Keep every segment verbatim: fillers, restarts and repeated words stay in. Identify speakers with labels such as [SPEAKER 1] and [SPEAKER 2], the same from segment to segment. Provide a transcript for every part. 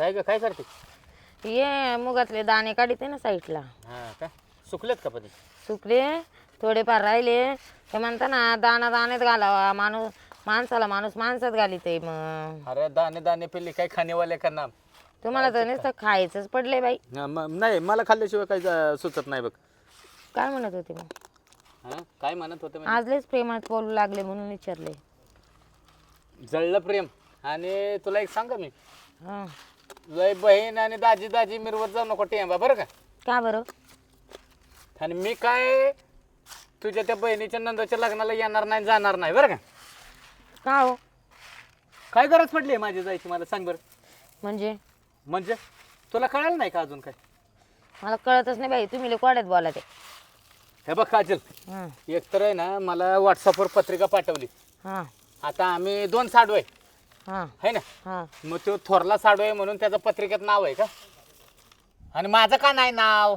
[SPEAKER 1] काय ग काय करते?
[SPEAKER 2] ये मुगातले दाणे काढते ना साईडला.
[SPEAKER 1] हा का सुकलेत का पण?
[SPEAKER 2] सुकले थोडेफार राहिले ते म्हणता ना दाणा दाण्यात घालावा माणूस माणसाला माणूस माणसात घालीते मग.
[SPEAKER 1] अरे दाणे दाणे पिल्ली काय खाणेवाले का नाम?
[SPEAKER 2] तुम्हाला तर नुसतं खायचंच पडले बाई.
[SPEAKER 1] हा, म- नाही मला खाल्ल्याशिवाय काही जा- सुचत नाही बघ.
[SPEAKER 2] काय म्हणत होते मग?
[SPEAKER 1] हा काय म्हणत होते म्हणजे?
[SPEAKER 2] आजलेच प्रेमात बोलू लागले म्हणून विचारले.
[SPEAKER 1] जळलं प्रेम. आणि तुला एक सांग मी,
[SPEAKER 2] हा
[SPEAKER 1] लय बहीण आणि दाजी दाजी मिरवत जाऊ नको टेंबा बरं का.
[SPEAKER 2] का बरं?
[SPEAKER 1] आणि मी काय तुझ्या त्या बहिणीच्या नंदाच्या लग्नाला येणार नाही जाणार नाही बरं का.
[SPEAKER 2] का हो?
[SPEAKER 1] काय गरज पडली माझी जायची मला सांग बरं.
[SPEAKER 2] म्हणजे
[SPEAKER 1] म्हणजे तुला कळालं नाही का अजून काय?
[SPEAKER 2] मला कळतच नाही बाई, तुम्ही कोड्यात बोला ते.
[SPEAKER 1] हे बघ काजल,
[SPEAKER 2] हां
[SPEAKER 1] एक तर आहे ना मला व्हॉट्सअपवर पत्रिका पाठवली.
[SPEAKER 2] हां
[SPEAKER 1] आता आम्ही दोन साडू आहे
[SPEAKER 2] हां
[SPEAKER 1] है ना.
[SPEAKER 2] हां
[SPEAKER 1] मग तो थोरला साडू आहे म्हणून त्याचं पत्रिकेत नाव आहे का? आणि माझं का नाही नाव?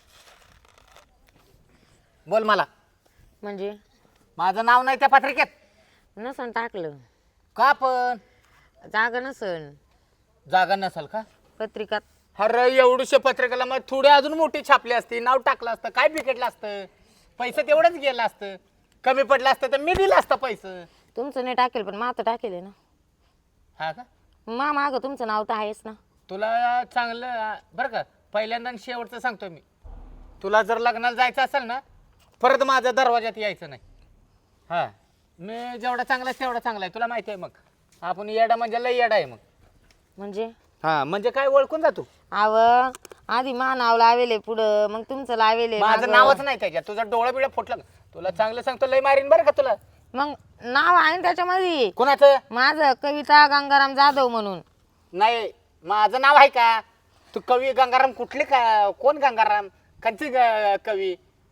[SPEAKER 1] बोल मला.
[SPEAKER 2] म्हणजे
[SPEAKER 1] माझं नाव नाही त्या पत्रिकेत
[SPEAKER 2] नसन टाकलं,
[SPEAKER 1] का? पण
[SPEAKER 2] जागा नसन
[SPEAKER 1] जागा नसेल का?
[SPEAKER 2] पत्रिकात.
[SPEAKER 1] अरे एवढीशे पत्रिकेला मग थोडी अजून मोठी छापली असती, नाव टाकलं असतं, काय बिघडलं असतं? पैसे तेवढंच गेलं असतं. कमी पडलं असतं तर मी दिलं असतं पैसे.
[SPEAKER 2] तुमचं नाही टाकेल पण माझं टाकेल आहे ना.
[SPEAKER 1] हा का?
[SPEAKER 2] मा मागं तुमचं नाव तर आहेच ना.
[SPEAKER 1] तुला चांगलं बरं का, पहिल्यांदा आणि शेवटचं सांगतो मी, तुला जर लग्नाला जायचं असेल ना परत माझ्या दरवाजात यायचं नाही. हा मी जेवढा चांगला आहे तेवढा चांगला आहे, तुला माहिती आहे. मग आपण येडा म्हणजे लय येडा आहे मग.
[SPEAKER 2] म्हणजे
[SPEAKER 1] हा म्हणजे काय ओळखून जातो?
[SPEAKER 2] आव आधी मा नाव लावेले पुढं मग तुमचं लावेले
[SPEAKER 1] माझं
[SPEAKER 2] मागं.
[SPEAKER 1] नावच नाही त्याच्यात. तुझा डोळा बिळा फुटला का? तुला चांगलं सांगतो लय मारीन बरं का तुला.
[SPEAKER 2] मग नाव आहे ना त्याच्यामध्ये
[SPEAKER 1] कोणाचं?
[SPEAKER 2] माझं कविता गंगाराम जाधव म्हणून.
[SPEAKER 1] नाही माझं नाव आहे का? तू कवी गंगाराम कुठले का? कोण गंगाराम? कंची ग- कवी?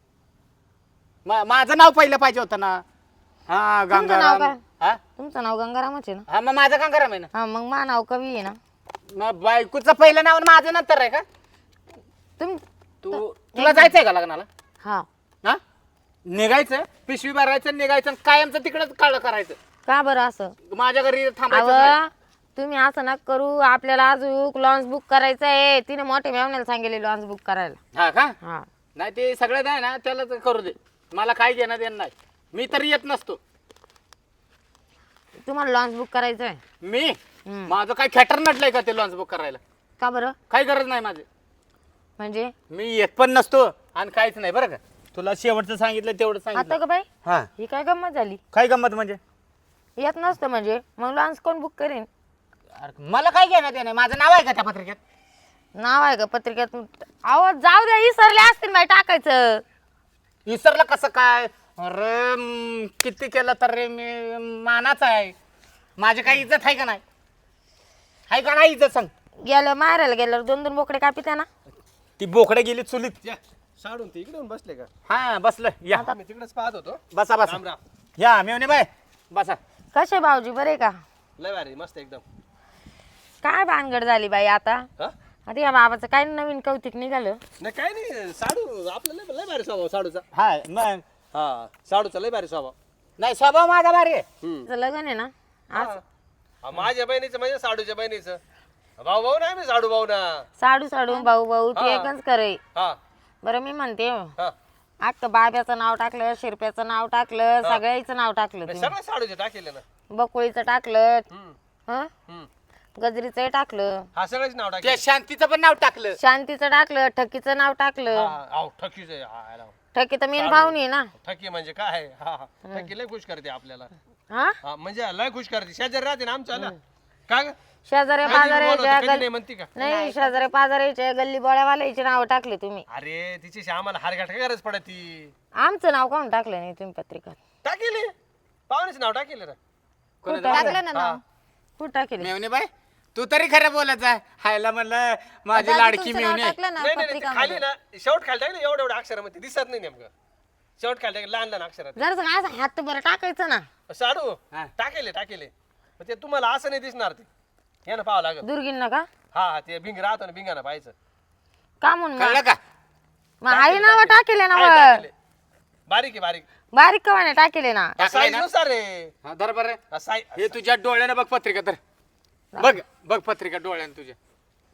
[SPEAKER 1] मा- माझं नाव पहिलं पाहिजे होतं ना. हा
[SPEAKER 2] तुमचं नाव
[SPEAKER 1] गंगाराम.
[SPEAKER 2] काय?
[SPEAKER 1] हा
[SPEAKER 2] तुमचं नाव गंगारामच आहे ना.
[SPEAKER 1] हा मग माझं गंगाराम आहे ना.
[SPEAKER 2] हा मग मा नाव कवी आहे ना.
[SPEAKER 1] मग बायकोचं पहिलं नाव आणि माझं नंतर आहे का?
[SPEAKER 2] तुम
[SPEAKER 1] तू तुला जायचंय का लग्नाला?
[SPEAKER 2] हा
[SPEAKER 1] हा निघायचं, पिशवी भरायचं, निघायचं आणि कायमचं तिकडंच काळ करायचं.
[SPEAKER 2] का बरं असं?
[SPEAKER 1] माझ्या घरी थांबायचं नाही.
[SPEAKER 2] अव तुम्ही असं नका करू. आपल्याला अजून लॉन्च बुक करायचं आहे. तिने मोठे मेवण्याला सांगितले लॉन्च बुक करायला.
[SPEAKER 1] हा का?
[SPEAKER 2] हा
[SPEAKER 1] नाही ते सगळं आहे ना त्याला तर करू दे. मला काय घेणं देणं नाही. मी तरी येत नसतो.
[SPEAKER 2] तुम्हाला लॉन्च बुक करायचं आहे.
[SPEAKER 1] मी
[SPEAKER 2] हम्म.
[SPEAKER 1] माझं काय खेटर नटलंय का ते लॉन्च बुक करायला?
[SPEAKER 2] का बरं?
[SPEAKER 1] काही गरज नाही माझी.
[SPEAKER 2] म्हणजे
[SPEAKER 1] मी येत पण नसतो आणि काहीच नाही बरं का. तुला शेवटचं सांगितलं तेवढं
[SPEAKER 2] आता
[SPEAKER 1] सांगितलं.
[SPEAKER 2] का बाई
[SPEAKER 1] हा
[SPEAKER 2] ही काय गंमत झाली?
[SPEAKER 1] काय गंमत म्हणजे?
[SPEAKER 2] येत नसतं म्हणजे मग लॉन्च कोण बुक करेन?
[SPEAKER 1] अरे मला काय घेणं देणं? माझं नाव आहे का त्या पत्रिकेत?
[SPEAKER 2] नाव आहे का पत्रिकेत? अहो जाऊ द्या, विसरले असतील बाई टाकायचं.
[SPEAKER 1] विसरलं कसं काय? अरे म, किती केलं तर रे मी मानाचा आहे. माझी काही इज्जत आहे का नाही? आहे का नाही इज्जत सांग?
[SPEAKER 2] गेलं मारायला गेल्यावर दोन दोन बोकडे कापित्या ना.
[SPEAKER 1] ती बोकडे गेली चुलीत.
[SPEAKER 3] या साडून ते इकडे येऊन बसले का?
[SPEAKER 1] हा बसलं या.
[SPEAKER 3] मी तिकडेच पाहत होतो.
[SPEAKER 1] बसा बसा.
[SPEAKER 3] राम राम.
[SPEAKER 1] या मेवणे बाय बसा.
[SPEAKER 2] कसे भाऊजी बरे का?
[SPEAKER 3] लय भारी मस्त एकदम.
[SPEAKER 2] काय भानगड झाली बाई आता?
[SPEAKER 3] हा?
[SPEAKER 2] आता या बाबाचं काय नवीन कौतिक निघालं?
[SPEAKER 3] नाही काय नाही, साडू आपलं लय लय भारी स्वभाव साडूचा.
[SPEAKER 1] हा मग
[SPEAKER 3] हा साडूचा लय भारी स्वभाव.
[SPEAKER 1] नाही स्वभाव माझा भारी आहे.
[SPEAKER 3] हम्म.
[SPEAKER 2] तिचं लग्न आहे ना आज.
[SPEAKER 3] हा. हा, माझ्या बहिणीचं म्हणजे साडूच्या बहिणीचं भाऊ भाऊ नाही मी साडू भाऊ ना.
[SPEAKER 2] साडू साडू भाऊ भाऊ ते
[SPEAKER 3] हा.
[SPEAKER 2] एकच करे.
[SPEAKER 3] हा
[SPEAKER 2] बरं मी म्हणते
[SPEAKER 3] हा
[SPEAKER 2] आता बाब्याचं नाव टाकलं, शिरप्याचं नाव टाकलं, सगळ्याचं नाव टाकलं
[SPEAKER 3] नाही,
[SPEAKER 2] तुम्ही.
[SPEAKER 3] सगळं साडूचे टाकेले ना.
[SPEAKER 2] बकुळीचं टाकलं,
[SPEAKER 3] हम्म.
[SPEAKER 2] हं?
[SPEAKER 3] हम्म.
[SPEAKER 2] गजरीचं टाकलं,
[SPEAKER 3] हा सगळ्याच नाव
[SPEAKER 1] त्या
[SPEAKER 3] टाकेल.
[SPEAKER 1] शांतीचं पण नाव टाकलं.
[SPEAKER 2] शांतीचं टाकलं, ठकीचं नाव टाकलं.
[SPEAKER 3] हा आव ठकीच आहे. हा, याला.
[SPEAKER 2] ठकी तर मेन पाहुणी आहे ना.
[SPEAKER 3] ठकी म्हणजे काय आहे? हा हा. ठकी लय खुश करते आपल्याला.
[SPEAKER 2] हा
[SPEAKER 3] हा म्हणजे लय खुश करते. शेजारी राहते ना आमच्या ना. का ग?
[SPEAKER 2] शेजाऱ्या
[SPEAKER 3] कधी बोलवते,
[SPEAKER 2] पाजाऱ्याच्या
[SPEAKER 3] कधी नाही म्हणती का?
[SPEAKER 2] नाही शेजाऱ्या पाजाऱ्याच्या गल्ली बोळ्यावाल्याची नाव टाकले तुम्ही.
[SPEAKER 3] अरे तिची आम्हाला हारगाठ काय गरज पडती?
[SPEAKER 2] आमचं नाव कोण टाकलं नाही तुम्ही पत्रिकात?
[SPEAKER 3] टाकेले पाहुण्याचं नाव टाकेले ना.
[SPEAKER 2] कुठं
[SPEAKER 1] कोणाचं?
[SPEAKER 2] टाकलं ना
[SPEAKER 3] हा.
[SPEAKER 2] नाव? कुठं टाकले?
[SPEAKER 1] मेवणे बाय तू तरी खरं बोलायचा. हायला म्हणलं माझी लाडकी मेवणे.
[SPEAKER 3] नाही नाही नाही, ते खाली ना शेवट खाली टाकले एवढ्या एवढ्या अक्षरामध्ये दिसत नाही नेमकं. शेवट खाली टाकले लहान लहान अक्षरात.
[SPEAKER 2] जर असं हात बरं टाकायचं ना.
[SPEAKER 3] साडू
[SPEAKER 1] हा.
[SPEAKER 3] टाकेले टाकेले मग ते तुम्हाला असं नाही दिसणार ते. हे ना पाहावं लागत.
[SPEAKER 2] दुर्गीन का?
[SPEAKER 3] हा हा ते भिंग राहतो ना भिंगाना पाहायचं.
[SPEAKER 2] का म्हणून
[SPEAKER 1] कळलं का?
[SPEAKER 2] मग आई नाव टाकेले ना
[SPEAKER 3] आहे,
[SPEAKER 2] मग.
[SPEAKER 3] टाकेले. बारीक आहे बारीक.
[SPEAKER 2] बारीक कवाने टाकेले ना.
[SPEAKER 1] टाकलंय
[SPEAKER 3] साईज
[SPEAKER 1] ना?
[SPEAKER 3] नुसार रे.
[SPEAKER 1] हा, धर बरं.
[SPEAKER 3] हा, साई-
[SPEAKER 1] हे तुझ्या डोळ्यानं बघ पत्रिका तर. बघ बघ पत्रिका डोळ्यानं तुझ्या.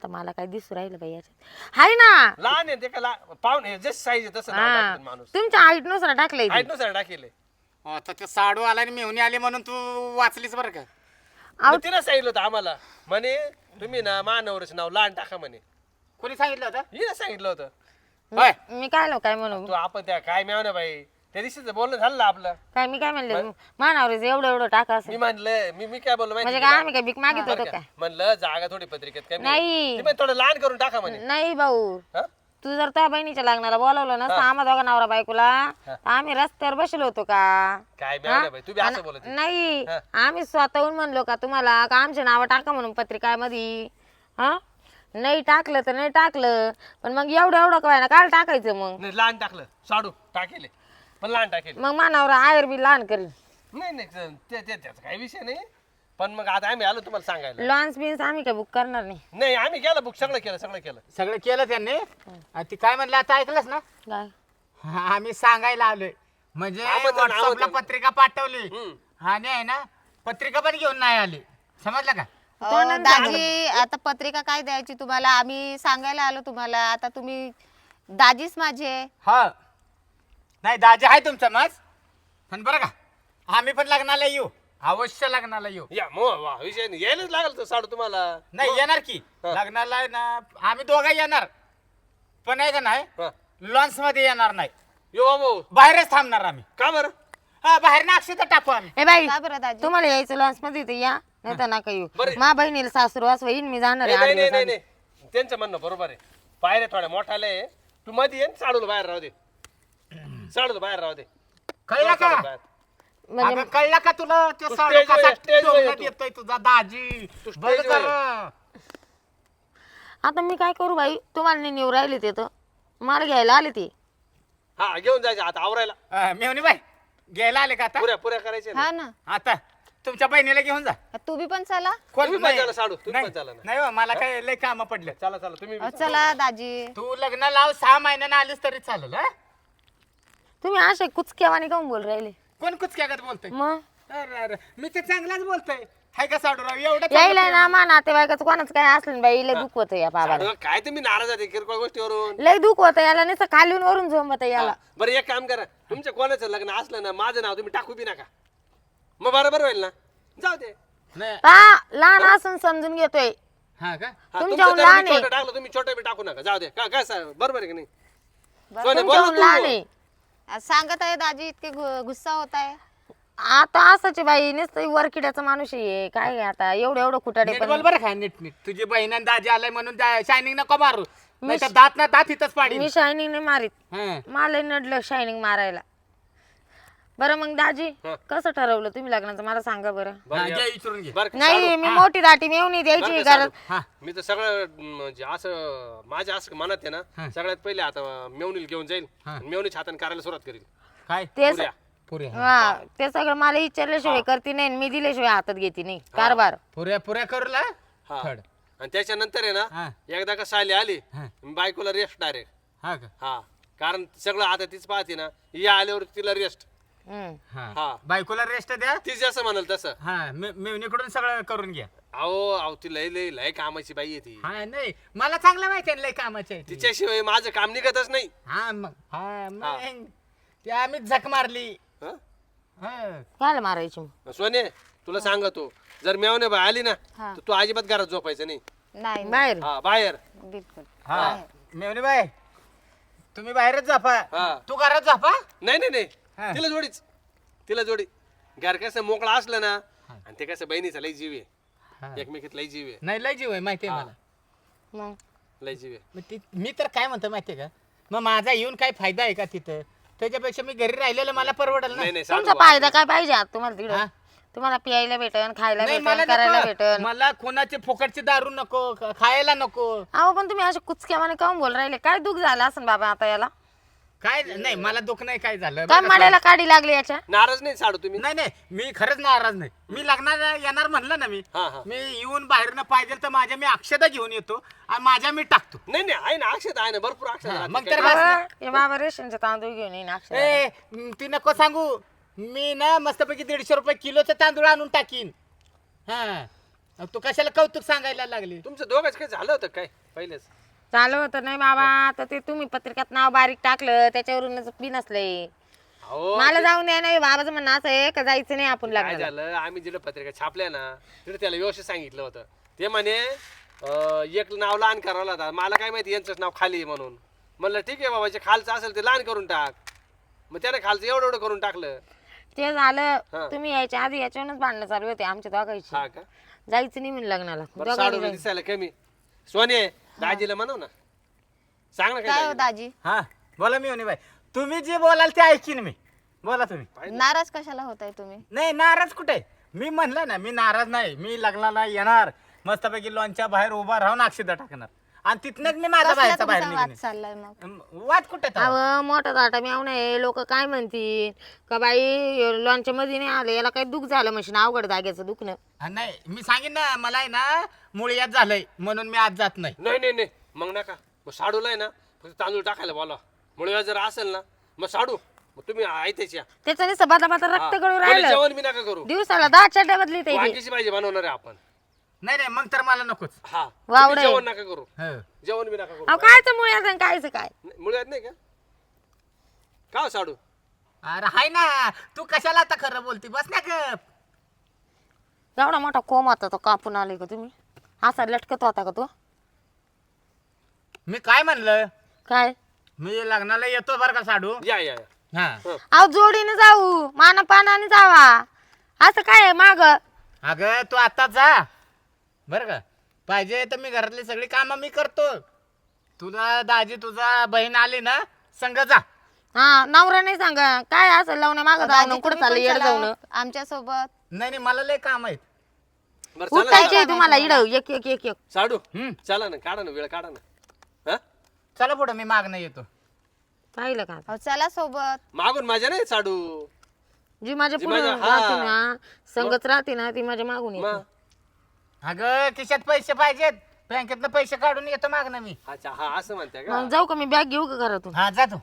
[SPEAKER 2] आता मला काय दिसू राहिलं बाई याच्यात हाय ना
[SPEAKER 3] लहान आहे ते का लहान पाहुणे जस साईज आहे तसं नाव
[SPEAKER 2] हा
[SPEAKER 3] टाकतात माणूस
[SPEAKER 2] तुमच्या हाईट नुसार टाकलंय ते.
[SPEAKER 3] आहेत ना सर टाकेले
[SPEAKER 1] आता ते साडू आला आणि मेहुणी आली म्हणून तू वाचलीस बरं का.
[SPEAKER 2] आऊ.
[SPEAKER 3] तिनं सांगितलं होतं आम्हाला म्हणे तुम्ही ना मानवरच नाव लहान टाका म्हणे
[SPEAKER 1] कोणी सांगितलं होतं?
[SPEAKER 3] हिनं सांगितलं होतं
[SPEAKER 1] होय.
[SPEAKER 2] मी काय लो काय म्हणू
[SPEAKER 3] तू आपण त्या काय मिळव ना बाई त्या दिवशीच बोलणं झालं ना आपलं
[SPEAKER 2] काय मी काय म्हणले मानावर एवढं एवढं टाका असं
[SPEAKER 3] मी म्हणलं मी मी काय बोललो
[SPEAKER 2] म्हणजे
[SPEAKER 3] माहिती
[SPEAKER 2] काय
[SPEAKER 3] का?
[SPEAKER 2] आम्ही काय भीक मागित
[SPEAKER 3] बरं
[SPEAKER 2] होतो
[SPEAKER 3] का?
[SPEAKER 2] काय
[SPEAKER 3] म्हणलं जागा थोडी पत्रिकेत कमी आहे.
[SPEAKER 2] नाही.
[SPEAKER 3] ती म्हणे थोडं लहान करून टाका म्हणे
[SPEAKER 2] नाही भाऊ
[SPEAKER 3] हा?
[SPEAKER 2] तू जर त्या बहिणीच्या लग्नाला बोलावलं नसतं आम्हा दोघा नवरा बायकोला तर आम्ही रस्त्यावर बसलो होतो का
[SPEAKER 3] काय मिळव बाई तू बी असं बोलत आहे.
[SPEAKER 2] नाही आम्ही स्वतःहून म्हणलो का तुम्हाला का आमचे नाव टाका म्हणून पत्रिकामध्ये हा नाही टाकलं तर नाही टाकलं पण मग एवढं एवढं काय ना काय टाकायचं मग
[SPEAKER 3] नाही लहान टाकलं साडू टाकेले पण लहान टाकेले
[SPEAKER 2] मग मानावर आयर बी लहान करीन
[SPEAKER 3] नाही नाही ते ते- त्याचा काही विषय नाही पण मग आता आम्ही आलो तुम्हाला सांगायला
[SPEAKER 2] लॉन्स बिन्स आम्ही काय बुक करणार नाही
[SPEAKER 3] नाही आम्ही केलं बुक सगळं केलं सगळं केलं
[SPEAKER 1] सगळं केलं त्यांनी आणि ती काय म्हणलं आता ऐकलंस ना.
[SPEAKER 2] काय
[SPEAKER 1] हा, आम्ही सांगायला आलोय म्हणजे
[SPEAKER 3] आमंत्रण,
[SPEAKER 1] व्हॉट्सअपला
[SPEAKER 3] आमंत्रण.
[SPEAKER 1] पत्रिका पाठवली
[SPEAKER 3] हम्म.
[SPEAKER 1] आणि आहे ना पत्रिका पण घेऊन नाही आली समजलं का.
[SPEAKER 4] अहो, दाजी आता पत्रिका काय द्यायची तुम्हाला आम्ही सांगायला आलो तुम्हाला आता तुम्ही दाजीच माझे
[SPEAKER 1] हा नाही दाजी आहे तुमचा मज पण बरं का आम्ही पण लग्नाला येऊ अवश्य लग्नाला येऊ.
[SPEAKER 3] या मग वा विषय नाही यायलाच लागल तो साडू तुम्हाला
[SPEAKER 1] नाही येणार की लग्नाला आहे ना आम्ही दोघं येणार पण आहे का नाही
[SPEAKER 3] हा.
[SPEAKER 1] लॉन्स मध्ये येणार नाही
[SPEAKER 3] यो बाबू
[SPEAKER 1] बाहेरच थांबणार आम्ही.
[SPEAKER 3] का बरं
[SPEAKER 1] हा बाहेर ना अक्षता टाकू आम्ही.
[SPEAKER 2] ए बाई
[SPEAKER 4] का बरं दाजी
[SPEAKER 2] तुम्हाला यायचं लॉन्स मध्ये तर या नाही तर नका येऊ
[SPEAKER 3] बरं.
[SPEAKER 2] मा बहिणीला सासूरवास होईन मी जाणार
[SPEAKER 3] नाही
[SPEAKER 2] आहे
[SPEAKER 3] नाही
[SPEAKER 2] आठ
[SPEAKER 3] नाही
[SPEAKER 2] दिवस
[SPEAKER 3] नाही नाही. त्यांचं म्हणणं बरोबर आहे पायऱ्या थोड्या मोठाले आहे. तू मध्ये ये साडूला बाहेर राहू दे साडूला बाहेर राहू दे
[SPEAKER 1] कळलं का
[SPEAKER 3] बाहेर.
[SPEAKER 2] म्हणजे
[SPEAKER 1] अगं, कळलं का तुला ते
[SPEAKER 3] तू
[SPEAKER 1] साडू
[SPEAKER 3] स्टेजवर
[SPEAKER 1] कसा
[SPEAKER 3] ये, स्टेजवर ये
[SPEAKER 1] टोमण्यात
[SPEAKER 3] तू.
[SPEAKER 1] येतोय तुझा दाजी
[SPEAKER 3] तू
[SPEAKER 1] बरं
[SPEAKER 3] स्टेजवर ये.
[SPEAKER 1] झालं.
[SPEAKER 2] आता मी काय करू बाई तुम्हाला नाही नेऊ राहिले ते तर मला घ्यायला आले ते
[SPEAKER 3] हा घेऊन जायचं आता आवरायला
[SPEAKER 1] अं, मेवणी बाई घ्यायला आले का आता
[SPEAKER 3] पुऱ्या पुऱ्या करायच्या ना.
[SPEAKER 4] हा ना
[SPEAKER 1] आता तुमच्या बहिणीला घेऊन जा.
[SPEAKER 4] तू बी पण चला
[SPEAKER 1] कोण
[SPEAKER 3] तुम्ही पण
[SPEAKER 1] नाही.
[SPEAKER 3] चला साडू, तुम्ही
[SPEAKER 1] नाही.
[SPEAKER 3] पण चला ना.
[SPEAKER 1] नाही हो, मला काय लय काम पडलं.
[SPEAKER 3] चला चला तुम्ही बी
[SPEAKER 4] अहो, चला दाजी
[SPEAKER 1] तू लग्न लाव सहा महिन्यानं आलीस तरी चालेल हा?
[SPEAKER 2] तुम्ही असे कुचक्यावाने काऊन बोल राहिले
[SPEAKER 1] कोण कुचक्यागत बोलतोय
[SPEAKER 2] मग
[SPEAKER 1] अरे अरे मी ते चांगलाच बोलतोय हाय का साडूराव एवढं
[SPEAKER 2] यायला ना मा नातेवाईकाचं कोणाचं काय असलं ना बाई लय दुःख होतं या बाबाला
[SPEAKER 3] साडू, काय तुम्ही नाराज आहे किरकोळ गोष्टीवरून
[SPEAKER 2] लय दुःख होतं याला नुसतं खालीन वरून झोंबत याला
[SPEAKER 3] बरं एक काम करा तुमच्या कोणाचं लग्न असलं ना माझं नाव तुम्ही टाकू बी नका मग बरोबर होईल ना जाऊ दे
[SPEAKER 1] नाही
[SPEAKER 2] हा लहान असून समजून घेतोय
[SPEAKER 1] हा का
[SPEAKER 3] हा,
[SPEAKER 2] तुमच्याहून
[SPEAKER 3] तुमचं जर
[SPEAKER 2] लहान
[SPEAKER 3] मी
[SPEAKER 2] आहे.
[SPEAKER 3] छोटं टाकलं तुम्ही छोटं बी टाकू नका जाऊ दे का काय सा- बरोबर आहे की नाही
[SPEAKER 4] बरं.
[SPEAKER 3] सोने, बोल ना
[SPEAKER 2] तुमच्याहून लहान
[SPEAKER 3] तू.
[SPEAKER 2] आहे
[SPEAKER 4] आज सांगत आहे दाजी इतके गु- गुस्सा होत आहे
[SPEAKER 2] आता असंच आहे बाई नुसतं वरकिड्याचा माणूस आहे काय आहे आता एवढं एवढं खुटाडे
[SPEAKER 1] नीट
[SPEAKER 2] पण
[SPEAKER 1] बोल बरं का नीट नीट तुझी बहीण आणि दाजी आलाय म्हणून शायनिंग नको मारू नाही तर दात ना दात इथंच पाडी
[SPEAKER 2] मी शायनिंग नाही मारीत मला नडलं शायनिंग मारायला बरं मग दाजी
[SPEAKER 3] हा.
[SPEAKER 2] कसं ठरवलं तुम्ही लग्नाचं मला सांगा बरं
[SPEAKER 3] बरं या.
[SPEAKER 1] विचारून घे
[SPEAKER 3] बरं का,
[SPEAKER 2] नाही मी मोठी दाटी मेवणी द्यायची
[SPEAKER 3] बरं का,
[SPEAKER 2] गरज
[SPEAKER 3] साडू? मी तर सगळं म्हणजे असं माझ्या असं मनात आहे ना सगळ्यात पहिले आता मेवणीला घेऊन जाईल मेवणीच्या हाताने करायला सुरुवात करील
[SPEAKER 1] काय
[SPEAKER 2] ते
[SPEAKER 3] पुऱ्या.
[SPEAKER 1] पुऱ्या
[SPEAKER 2] हा ते सगळं मला विचारल्याशिवाय करते नाही आणि मी दिल्याशिवाय हातात घेते नाही कारभार
[SPEAKER 1] पुऱ्या पुऱ्या करू ला
[SPEAKER 3] हा.
[SPEAKER 1] थड
[SPEAKER 3] आणि त्याच्यानंतर आहे
[SPEAKER 1] हा.
[SPEAKER 3] ना एकदा का साली आली
[SPEAKER 1] हा.
[SPEAKER 3] बायकोला रेस्ट डायरेक्ट
[SPEAKER 1] हा का
[SPEAKER 3] हा कारण सगळं आता तीच पाहते ना या आल्यावर तिला रेस्ट
[SPEAKER 2] हम्म.
[SPEAKER 1] हा
[SPEAKER 3] हा
[SPEAKER 1] बायकोला रेस्ट द्या
[SPEAKER 3] ती जसं म्हणाल तसं
[SPEAKER 1] हा मे- मेवणीकडून सगळं करून घ्या
[SPEAKER 3] अहो अहो ती लय लय लय कामाची बाई आहे ती
[SPEAKER 1] हा नाही मला चांगलं माहिती आहे लय कामाचे आहे ती.
[SPEAKER 3] तिच्याशिवाय माझं काम निघतच नाही
[SPEAKER 1] हा मग हा मग ते आम्ही झक मारली
[SPEAKER 3] हं?
[SPEAKER 1] हा
[SPEAKER 2] काय मारायची मग
[SPEAKER 3] सोने तुला सांगतो जर मेवणे बाई आली ना
[SPEAKER 4] हा.
[SPEAKER 3] तर तू अजिबात घरात झोपायचं नाही
[SPEAKER 4] नाही
[SPEAKER 2] बाहेर
[SPEAKER 3] हा बाहेर
[SPEAKER 4] बिलकुल
[SPEAKER 1] हा मेवणी बाई तुम्ही बाहेरच जापा
[SPEAKER 3] हा.
[SPEAKER 1] तू घरात जापा
[SPEAKER 3] नाही नाही
[SPEAKER 1] हा.
[SPEAKER 3] नाही तिला जोडीच तिला जोडी घर कसं मोकळा असलं ना आणि ते कसं बहिणीचा लय जीव
[SPEAKER 1] हा.
[SPEAKER 3] आहे एकमेकीत लय जीव आहे
[SPEAKER 1] नाही लय जीव आहे माहिती आहे मला
[SPEAKER 2] मग
[SPEAKER 3] लय जीव आहे
[SPEAKER 1] मग ती मी तर काय म्हणतो माहितीये का मग माझा येऊन काय फायदा आहे का तिथं त्याच्यापेक्षा मी घरी राहिलेलं मला परवडेल ना
[SPEAKER 3] नाही नाही
[SPEAKER 2] तुमचा
[SPEAKER 3] सांगू
[SPEAKER 2] फायदा काय पाहिजे आता तुम्हाला
[SPEAKER 1] हा?
[SPEAKER 2] तिकडं तुम्हाला पियायला भेटन खायला
[SPEAKER 1] नाही
[SPEAKER 2] भेटन
[SPEAKER 1] मला
[SPEAKER 2] करायला
[SPEAKER 1] नको.
[SPEAKER 2] भेटन
[SPEAKER 1] मला कोणाची फुकटची दारू नको ख- खायला नको
[SPEAKER 2] अहो पण तुम्ही असे कुचक्यावाने काऊन बोल राहिले काय दुःख झालं असं बाबा आता याला
[SPEAKER 1] काय नाही मला दुःख नाही काय झालं
[SPEAKER 2] काय
[SPEAKER 1] बरं का?
[SPEAKER 2] माड्याला काढी लागली याच्या
[SPEAKER 3] नाराज नाही साडू तुम्ही
[SPEAKER 1] नाही नाही मी खरंच नाराज नाही मी लग्नाला येणार म्हणलं ना मी
[SPEAKER 3] हा हा
[SPEAKER 1] मी येऊन बाहेरनं पाहिजे तर माझ्या मी अक्षदा घेऊन येतो आणि माझ्या मी टाकतो
[SPEAKER 3] नाही नाही आहे ना अक्षत आहे ना भरपूर अक्षत
[SPEAKER 1] हा,
[SPEAKER 3] राहते.
[SPEAKER 1] मग
[SPEAKER 3] काय-
[SPEAKER 1] तर बस ना.
[SPEAKER 2] अहो, हे बाबा रेशनचे तांदूळ घेऊन येईन अक्षर
[SPEAKER 1] ए म, ती नको सांगू मी ना मस्तपैकी दीडशे रुपये किलोचे तांदूळ आणून टाकीन हा अहो, तू कशाला कौतुक सांगायला लागली
[SPEAKER 3] तुमचं दोघंच काही झालं होतं काय पहिलेच
[SPEAKER 2] चालू होतं नाही बाबा आता ते तुम्ही पत्रिकात नाव बारीक टाकलं त्याच्यावरूनच बी नसलंय
[SPEAKER 3] अहो
[SPEAKER 2] मला जाऊन द्या नाही बाबाचं म्हणणं असं आहे का जायचं नाही आपण
[SPEAKER 3] काय
[SPEAKER 2] लग्नाला
[SPEAKER 3] झालं आम्ही जिथं पत्रिका छापल्या ना तिथे त्याला व्यवस्थित सांगितलं होतं ते म्हणे अं, एक नाव लहान करावं लागतं मला काय माहिती यांचंच नाव खाली आहे म्हणून म्हणलं ठीक आहे बाबा जे खालचं असेल ते लहान करून टाक मग त्याने खालचं एवढं एवढं करून टाकलं
[SPEAKER 2] ते झालं
[SPEAKER 3] हा.
[SPEAKER 2] तुम्ही यायच्या आधी याच्यावरूनच भांडणं चालू होते आमच्या दोघांची
[SPEAKER 3] हा का
[SPEAKER 2] जायचं नाही म्हणून लग्नाला
[SPEAKER 3] बरं
[SPEAKER 2] दोघांनी
[SPEAKER 3] साडू
[SPEAKER 2] जायचं.
[SPEAKER 3] दिसायला कमी सोने दाजीला म्हणव ना सांग ना
[SPEAKER 4] काय हो
[SPEAKER 3] काय
[SPEAKER 4] दाजी
[SPEAKER 1] हा बोला मी बाई तुम्ही जे बोलाल ते ऐकीन मी बोला तुम्ही
[SPEAKER 4] नाराज कशाला होताय तुम्ही
[SPEAKER 1] नाही नाराज कुठे मी म्हणलं ना मी नाराज नाही मी लग्नाला येणार मस्तपैकी लॉनच्या बाहेर उभा राहून अक्षदा टाकणार आणि तिथनच मी माझा
[SPEAKER 4] कसला
[SPEAKER 1] बाहेरचा बाहेर
[SPEAKER 4] तुमचा वाद
[SPEAKER 1] निघेन
[SPEAKER 4] चाललाय मग
[SPEAKER 1] अं, वाद कुठे तर?
[SPEAKER 2] अहो मोठा दाटा मी नाही लोक काय म्हणतील का बाई लॉनच्या मध्ये नाही आलं याला काही दुःख झालं मशीन अवघड जागेचं दुखणं
[SPEAKER 1] हा, नाही मी सांगेन ना मला आहे ना मुळ्यात झालंय म्हणून मी आज जात नाही
[SPEAKER 3] नाही नाही नाही मग नका मग साडूला आहे ना फक्त तांदूळ टाकायला बोला मुळे जर असेल ना मग साडू मग तुम्ही ऐकायची या.
[SPEAKER 2] त्याच्याने सबाता बाता रक्त
[SPEAKER 3] हा.
[SPEAKER 2] गळून
[SPEAKER 3] कोणी
[SPEAKER 2] राहिलं
[SPEAKER 3] जेवण बी नका करू
[SPEAKER 2] दिवसाला दहा चड्ड्या बदली ते
[SPEAKER 3] वांगीची भाजी बनवणार आहे आपण
[SPEAKER 1] नाही नाही मग तर मला नकोच
[SPEAKER 3] हा
[SPEAKER 2] वावडं
[SPEAKER 3] तुम्ही
[SPEAKER 2] आहे.
[SPEAKER 3] जेवण नका करू
[SPEAKER 1] हो.
[SPEAKER 3] जेवण बी नका करू
[SPEAKER 2] अहो कायचं मुळे असं कायचं काय
[SPEAKER 3] मुळ्यात नाही का का हो साडू
[SPEAKER 1] अरे हाय ना तू कशाला आता खरं बोलती बस ना गप
[SPEAKER 2] एवढा मोठा कोम होता तो कापून आले का तुम्ही असा लटकत होता का तो
[SPEAKER 1] मी काय म्हणलं
[SPEAKER 2] काय
[SPEAKER 1] मी लग्नाला येतो बरं का साडू
[SPEAKER 3] या या या.
[SPEAKER 1] हा
[SPEAKER 2] अहो जोडीने जाऊ माना पानाने जावा असं काय आहे माग
[SPEAKER 1] अगं तू आता जा बरं का पाहिजे तर मी घरातली सगळी कामं मी करतो तुला दाजी तुझा बहीण आली ना संग जा
[SPEAKER 2] हा नवरा नाही सांगा काय असं लावणं माग जाऊन कुठं चाललं येड जाऊन
[SPEAKER 4] आमच्या सोबत
[SPEAKER 1] नाही नाही मला लय काम आहेत
[SPEAKER 3] बरं चला ना.
[SPEAKER 2] उठायचे तुम्हाला इड एक एक एक एक
[SPEAKER 3] साडू
[SPEAKER 1] हम्म.
[SPEAKER 3] चला ना काढा ना वेळ काढा ना हा
[SPEAKER 1] चला पुढं मी मागणं येतो
[SPEAKER 2] पाहिलं का
[SPEAKER 4] अहो, चला सोबत
[SPEAKER 3] मागून माझ्या नाही साडू
[SPEAKER 2] जी माझ्या
[SPEAKER 3] जी
[SPEAKER 2] पुढे
[SPEAKER 3] माझ्या- हा.
[SPEAKER 2] राहते ना संगत राहते ना ती माझ्या मागून येते
[SPEAKER 3] मग
[SPEAKER 1] अगं खिशात पैसे पाहिजेत बँकेतनं पैसे काढून येतो मागणं मी
[SPEAKER 3] अच्छा हा असं म्हणते का
[SPEAKER 2] मग जाऊ का मी बॅग घेऊ का घरातून
[SPEAKER 1] हा जातो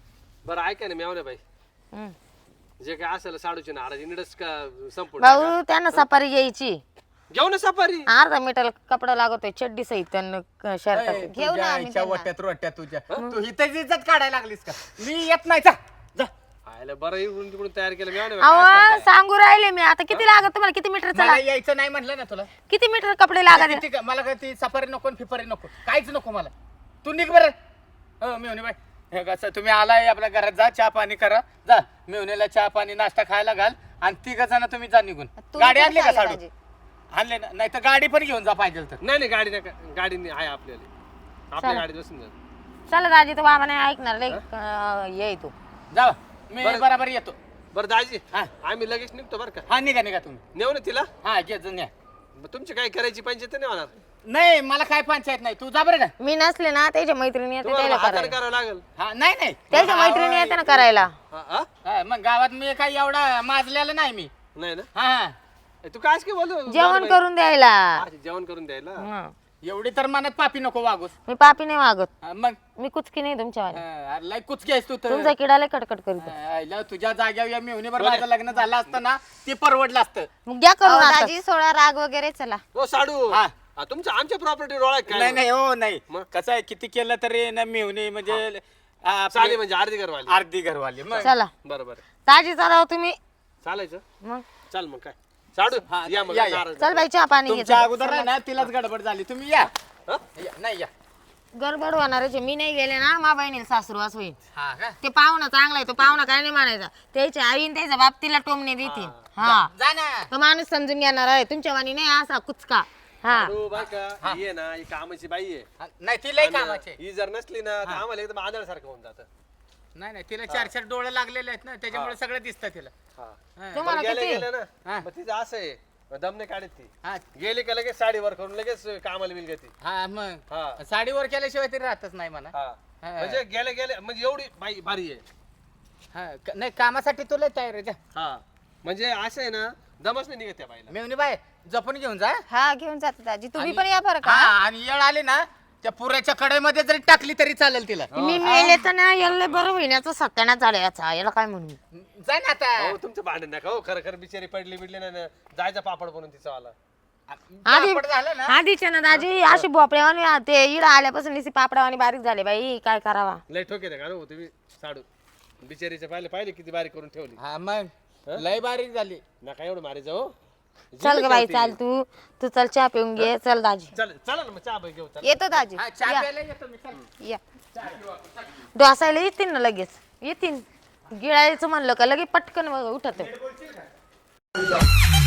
[SPEAKER 3] बरं ऐका ना मेवणे बाई
[SPEAKER 2] हम्म.
[SPEAKER 3] जे काय असेल साडूची नाराजी निडच का संपूर्ण
[SPEAKER 2] भाऊ त्यांना सफारी घ्यायची
[SPEAKER 3] घेऊ ना सफारी
[SPEAKER 2] अर्धा मीटर कपडा लागतोय चड्डी सहित शर्ट
[SPEAKER 1] ए,
[SPEAKER 4] घेऊ ना
[SPEAKER 1] तुझ्या
[SPEAKER 4] आम्ही
[SPEAKER 1] आईच्या
[SPEAKER 4] त्यांना.
[SPEAKER 1] वट्यात रोट्यात तुझ्या तू इथं इज्जत काढायला लागलीस का मी येत नाही जा जा
[SPEAKER 3] आयला बरं इकडून तिकडून तयार केलं मेवणे बाई.
[SPEAKER 2] अहो सांगू राहिले मी आता किती लागत तुम्हाला किती मीटर चला
[SPEAKER 1] मला यायचं नाही म्हटलं ना तुला
[SPEAKER 2] किती मीटर कपडे लागत
[SPEAKER 1] किती का- मला काय ती सफारी नको फिफारी नको काहीच नको मला तू निघ बरं हो मेवणी बाई हे कसं तुम्ही आलाय आपल्या घरात जा चहा पाणी करा जा मेवणीला चहा पाणी नाश्ता खायला घाल आणि तिघ जण तुम्ही जा निघून
[SPEAKER 4] तुम्ही
[SPEAKER 1] गाडी
[SPEAKER 4] पण
[SPEAKER 1] आणली का
[SPEAKER 4] चालले
[SPEAKER 1] साडू
[SPEAKER 4] दाजी.
[SPEAKER 1] आणले ना नाही तर गाडी पण घेऊन जा पाहिजे तर
[SPEAKER 3] नाही नाही गाडी नका गाडी नाही आहे आपल्याला आपल्या गाडीत बसून जा
[SPEAKER 2] चला दाजी तो बाबा नाही ऐकणार लय अं, ये तू
[SPEAKER 1] जा मी
[SPEAKER 3] बरं.
[SPEAKER 1] बराबर येतो
[SPEAKER 3] बरं दाजी
[SPEAKER 1] हा.
[SPEAKER 3] आम्ही लगेच निघतो बरं का
[SPEAKER 1] हा निघा निघा तुम्ही
[SPEAKER 3] नेऊ ना तिला
[SPEAKER 1] हा घे जा, न्या.
[SPEAKER 3] मग तुमची काय करायची पंचायत नाही होणार
[SPEAKER 1] नाही मला काय पंचायत नाही तू जा बरं का
[SPEAKER 2] मी नसले ना त्याच्या मैत्रिणी येते
[SPEAKER 3] तुम्हाला
[SPEAKER 2] त्याला
[SPEAKER 3] हाताने
[SPEAKER 2] करायला
[SPEAKER 3] करावं लागेल
[SPEAKER 1] हा नाही नाही
[SPEAKER 2] त्याच्या मैत्रिणी येते ना करायला
[SPEAKER 3] हा हा?
[SPEAKER 1] हा, मग गावात मी काही एवढा माजलेला नाही मी
[SPEAKER 3] नाही ना
[SPEAKER 1] हा हा
[SPEAKER 3] ए, तू काय काय बोलतो
[SPEAKER 2] जेवण करून द्यायला
[SPEAKER 3] हा, जेवण करून द्यायला
[SPEAKER 2] हं.
[SPEAKER 1] एवढी तर मनात पापी नको वागूस
[SPEAKER 2] मी पापी नाही वागत
[SPEAKER 1] हा, मग
[SPEAKER 2] मी कुचकी नाही तुमच्या
[SPEAKER 1] हा, अरे लय कुचकी आहेस तू तर
[SPEAKER 2] तुमचा किडा लय कटकट करीत
[SPEAKER 1] हा, आईला तुझ्या जाग्यावर या मेहुणीवर माझं लग्न झालं असतं ना ते परवडलं असतं
[SPEAKER 2] मग घ्या
[SPEAKER 4] अहो,
[SPEAKER 2] करून आता.
[SPEAKER 4] दाजी सोळा राग वगैरे चला
[SPEAKER 3] हो साडू
[SPEAKER 1] हा.
[SPEAKER 3] हा, तुमच्या आमच्या प्रॉपर्टी डोळा
[SPEAKER 1] नाही
[SPEAKER 3] काय
[SPEAKER 1] नाही हो नाही
[SPEAKER 3] मग?
[SPEAKER 1] कसं आहे किती केलं तरी ना मेहुणी म्हणजे आ, आपली
[SPEAKER 3] चालेल म्हणजे अर्धी घरवाली
[SPEAKER 1] अर्धी घरवाली मग
[SPEAKER 2] चला
[SPEAKER 3] बरं बरं
[SPEAKER 2] ताजी चालाव तुम्ही
[SPEAKER 3] चालायचं
[SPEAKER 2] मग
[SPEAKER 3] चाल मग काय साडू
[SPEAKER 1] हा,
[SPEAKER 3] या मग
[SPEAKER 1] या, या.
[SPEAKER 3] नाराज
[SPEAKER 2] चल बाई चहा पाणी घे
[SPEAKER 1] तुमच्या अगोदर आहे ना तिलाच गडबड झाली तुम्ही या
[SPEAKER 3] हा?
[SPEAKER 1] या, नाही या
[SPEAKER 2] गडबड होणारच मी नाही गेले ना मा बहिणीला सासरू होईल
[SPEAKER 1] हा का
[SPEAKER 2] ते पाहुणा चांगला आहे तो पाहुणा काय नाही मानायचा त्याच्या आईन त्याचा बाप तिला टोमणे देतील हा
[SPEAKER 1] जा ना
[SPEAKER 2] तो माणूस समजून घेणार आहे तुमच्या वाणी नाही असा कुचका हा
[SPEAKER 3] साडू बाय का ही आहे ना ही कामाची बाई आहे
[SPEAKER 1] हा, नाही ती लय कामाचे
[SPEAKER 3] ही जर नसली ना तर आम्हाला एकदम आदळसारखं होऊन जातं
[SPEAKER 1] नाही नाही तिला चार चार डोळे लागलेले आहेत ना त्याच्यामुळे सगळं दिसतं तिला
[SPEAKER 3] हा
[SPEAKER 1] हा.
[SPEAKER 2] तुम्हाला
[SPEAKER 3] गेले
[SPEAKER 2] किती
[SPEAKER 3] गेले ना
[SPEAKER 1] हा.
[SPEAKER 3] मग तिचं असं आहे मग दमने काढत ती
[SPEAKER 1] हा
[SPEAKER 3] गेली का लगेच साडीवर करून लगेच कामाला बिल घेते
[SPEAKER 1] हा मग
[SPEAKER 3] हा
[SPEAKER 1] साडीवर केल्याशिवाय तरी राहतच नाही म्हणा
[SPEAKER 3] हा
[SPEAKER 1] हा.
[SPEAKER 3] म्हणजे गेले गेले म्हणजे एवढी बाई भारी आहे
[SPEAKER 1] हा क- नाही कामासाठी तुला तयार आहे जा
[SPEAKER 3] हा म्हणजे असं आहे ना दमच नाही निघत त्या बाईला
[SPEAKER 1] मेवणी बाय जपून घेऊन जा
[SPEAKER 4] हा घेऊन जाते दाजी तुम्ही
[SPEAKER 1] आणि-
[SPEAKER 4] पण या बरं
[SPEAKER 1] हा,
[SPEAKER 4] का
[SPEAKER 1] आणि येळ आली ना त्या पुऱ्याच्या कडेमध्ये जरी टाकली तरी चालेल तिला
[SPEAKER 2] मी मेले तर ना याला बरं होईनाचा सत्यानाच झाला याचा याला काय म्हणू
[SPEAKER 1] जा ना आता
[SPEAKER 3] हो तुमचं भांडण नका हो खरं खरं बिचारी पडली बिडली नाही ना जायचा पापड बनून तिचा वाला
[SPEAKER 2] आधी
[SPEAKER 1] पापड झालं ना
[SPEAKER 2] आधीच्या ना दाजी अशी भोपळ्यावानी ते इड आल्यापासून निसी पापडावानी बारीक झाले बाई काय करावा
[SPEAKER 3] लय ठोके का हो तुम्ही साडू बिचारीचे पाहिले पाहिले किती बारीक करून ठेवली
[SPEAKER 1] हा मग लय बारीक झाली
[SPEAKER 3] नका एवढं मारे जाऊ
[SPEAKER 2] चल ग बाई चाल तू तू चल चहा पिऊन घे चल दाजी
[SPEAKER 3] चल चला ना मग चहा घेऊ चल
[SPEAKER 4] येतो दाजी
[SPEAKER 1] हा, चहा प्यायला येतो मी चल.
[SPEAKER 4] या
[SPEAKER 2] डोसायला येतील ना लगेच येतील गिळायचं म्हणलं का लगेच पटकन उठत